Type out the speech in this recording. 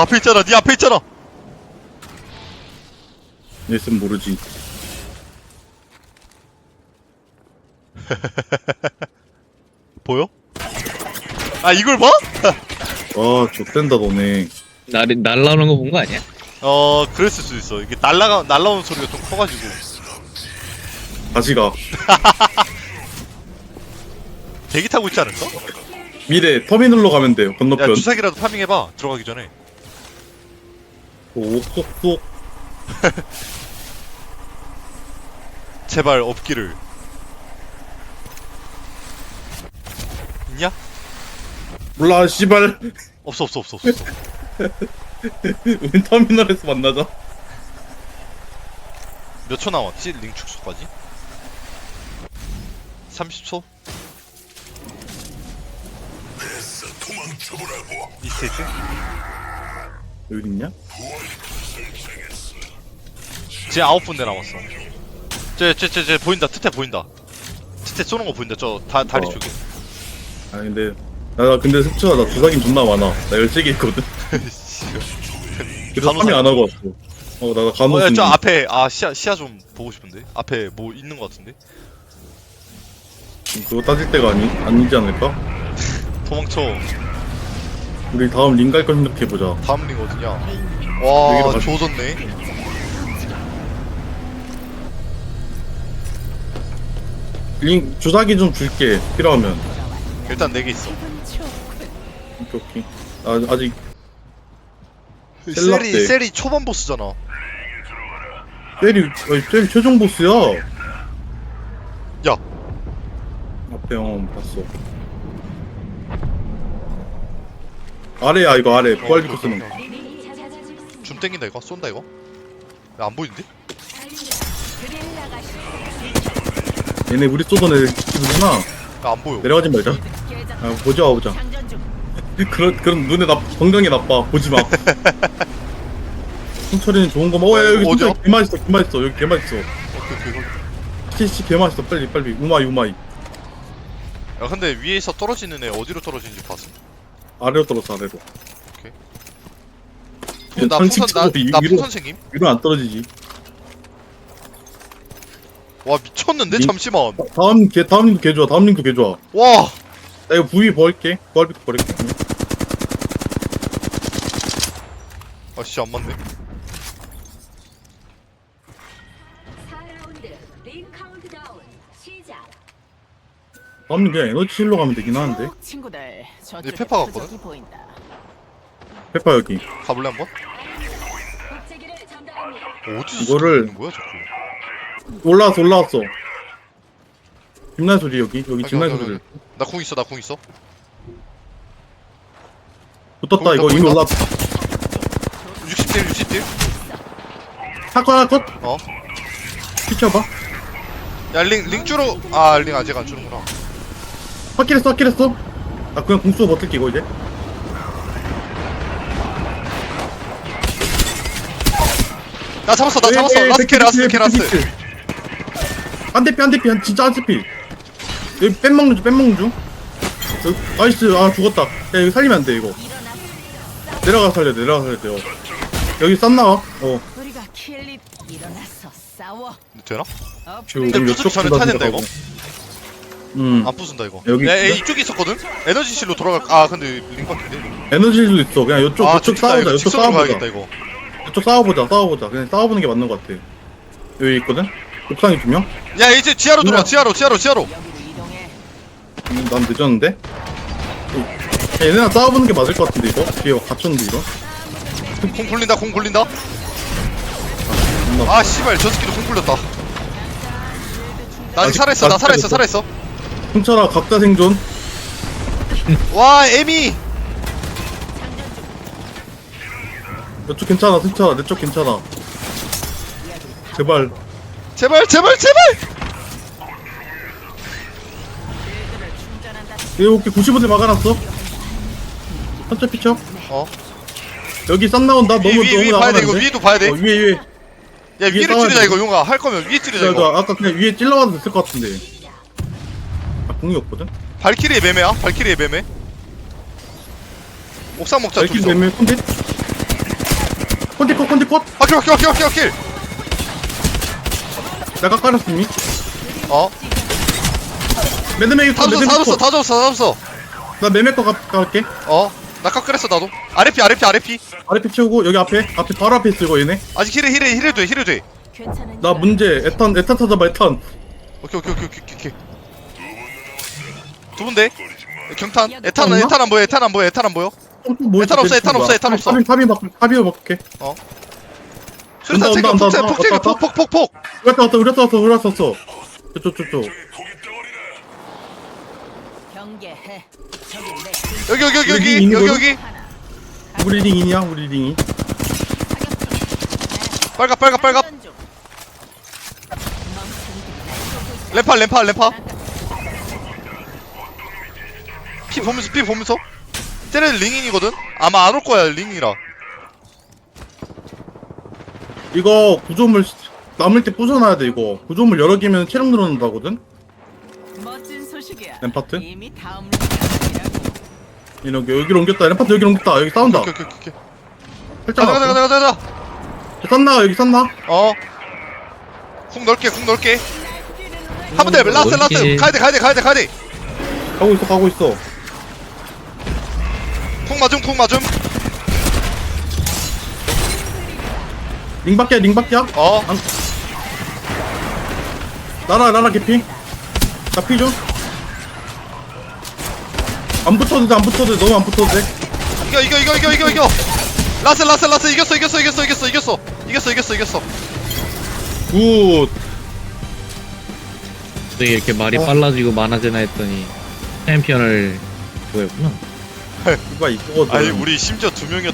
앞에 있잖아. 네 앞에 있잖아. 얘는 모르지. 보여? 아 이걸 봐? 아, 좆된다 너네. 날라오는 거 본 거 아니야? 그랬을 수도 있어. 이게 날라오는 소리가 좀 커가지고. 다시 가. 대기 타고 있지 않을까? 미래 터미널로 가면 돼요. 야 건너편. 주사기라도 파밍해봐. 들어가기 전에. 오, 쏙쏙. 제발 없기를. 있냐? 몰라, 씨발. 없어. 우린 터미널에서 만나자. 몇 초 남았지? 링 축소까지? 30초? 이 스테이트? 여기 있냐? 쟤 9분대 남았어. 쟤 보인다. 트태 보인다. 트태 쏘는 거 보인다. 저 다리 쪽에. 아, 근데. 나 근데 습초가 나 주사긴 존나 많아. 나 13개 있거든. 그래서 간호사. 파밍 안 하고 왔어. 나 간호사. 야, 저 앞에 시야 좀 보고 싶은데. 앞에 뭐 있는 거 같은데. 그거 따질 때가 아니지 않을까? 도망쳐. 우리 다음 링 갈 거 생각해보자. 다음 링 어디냐? 여기로 와, 가자. 조졌네. 링, 주사기 좀 줄게. 필요하면. 일단 4개 있어. 오케이. 아직. 셀럽대. 셀이 초반 보스잖아. 셀이 최종 보스야. 야, 앞에 봤어. 아래야, 이거 아래. 부활비코 쓰는 거. 줌 땡긴다 이거. 쏜다 이거. 야, 안 보이는데? 얘네 우리 쏘던 애들 지키는구나. 야, 안 보여. 내려가지 말자. 보자. 그런 눈에 건강에 나빠. 보지 마. 승철이는 좋은 거만. 야, 여기 어디야? 승철이 개맛있어. 여기 개맛있어. 오케이. 씨, 개맛있어. 빨리. 우마이. 야, 근데 위에서 떨어지는 애 어디로 떨어지는지 봤어? 아래로 떨어져, 아래로. 그럼 나 풍선생님? 위로 안 떨어지지. 와, 미쳤는데? 링- 잠시만. 다음 링도 개 좋아. 와! 나 이거 부위 버릴게. 부활비코 버릴게. 아씨, 안 맞네. 4라운드 링 카운트다운 시작. 다음 링 그냥 에너지 실로 가면 되긴 하는데. 친구들, 얘 페파 같거든? 저쪽에 보인다. 페파 여기. 가볼래 한번? 복제기를 전달합니다. 어디서 이거를- 있는 거야 자꾸? 올라왔어. 김날 소리 여기 김날 소리. 나 궁 있어. 붙었다. 이거 보인다, 이미 보인다. 올라왔다. 60딜. 하나 컷. 어? 피쳐봐. 야, 링 주로. 링 아직 안 주는구나. 확킬했어. 나 그냥 궁 쏘고 버틸게 이거 이제. 나 잡았어. 라스트. 한대피 진짜 한대피. 여기 뺀 먹는 중. 여기, 나이스. 죽었다. 야 이거 살리면 안 돼 이거. 내려가 살려 돼요. 여기 싼 나와. 우리가 킬립 일어났어. 싸워. 되나? 지금 근데 이쪽 부수기 전에 타야 된다 이거. 안 부순다 이거. 여기 야, 있어? 이쪽에 있었거든. 에너지실로 돌아갈. 근데 링 바뀐데. 에너지도 있어. 그냥 이쪽 싸우자. 이쪽 직선으로 가야겠다 싸워보자. 이거. 이쪽 싸워보자. 그냥 싸워보는 게 맞는 것 같아. 여기 있거든. 옥상에 2명. 야, 이제 지하로 들어와. 지하로. 여기로 이동해. 난 늦었는데? 야, 얘네랑 싸워보는 게 맞을 것 같은데 이거? 뒤에 갇혔는데 이거? 공 굴린다. 존나 씨발, 저 새끼도 공 굴렸다. 나 아직 아직 살아있어. 승철아 각자 생존. 와, 에미. 이쪽 괜찮아 승철아 내 쪽 괜찮아. 제발. 제발. 여기 95대 막아놨어. 한쪽 피쳐. 여기 싼 나온다. 너무 위 너무 봐야 돼. 나가면 이거 안 돼? 위도 봐야 돼. 위에. 야, 위에 위를 싸워야 찌르자 돼. 이거. 용아, 할 거면 위에 찌르자 나 이거. 아까 그냥 위에 찔러와도 됐을 것 같은데. 공이 없거든. 발키리의 매매야. 옥상 먹자. 발길 둘이서. 매매 콘텐. 컷. 확킬. 내가 깔았어 이미. 어? 매드맥이 다 컷. 줬어 다 줬어. 나 매매 거 갈게. 어? 나 깎으랬어 나도. 아래피. 아래피 치우고 여기 앞에 바로 앞에 있어 이거 얘네. 아직 힐해 돼. 괜찮은 나 문제 에탄 찾아봐 에탄. 오케이. 두 분데? 경탄? 에탄 없나? 안 보여. 에탄 안 보여. 뭐 에탄 없어. 탑이 바꿀게. 수류탄 온다, 챙겨. 온다, 온다, 폭 챙겨. 왔다, 폭. 우렸어. 저쪽. 경계해. 저기 내 여기 있는 여기. 우리 링이냐 우리 링이. 빨갑. 램파. 피 보면서. 쟤네 링인이거든? 아마 안 올 거야, 링이라. 이거 구조물 남을 때 부숴놔야 돼 이거. 구조물 여러 개면 체력 늘어난다거든. 멋진 소식이야. 램파트? 이미 다음 랭이라고. 이렇게 여기로 옮겼다. 램파트 여기로 옮겼다. 여기 싸운다. 오케이. 살짝 가자. 쌌나 여기 쌌나? 어. 쿵 넓게. 한 번 더, 라스트. 넓게. 가야 돼. 가고 있어. 쿵 맞음. 링 밖이야. 어. 나라 개피. 나 피 좀. 안 붙어도 돼. 너무 안 붙어도 돼. 이겨. 라스. 이겼어. 굿. 왜 이렇게 말이 빨라지고 많아지나 했더니 챔피언을 구했구나. 이거 이거거든. 아니, 우리 심지어 2명이었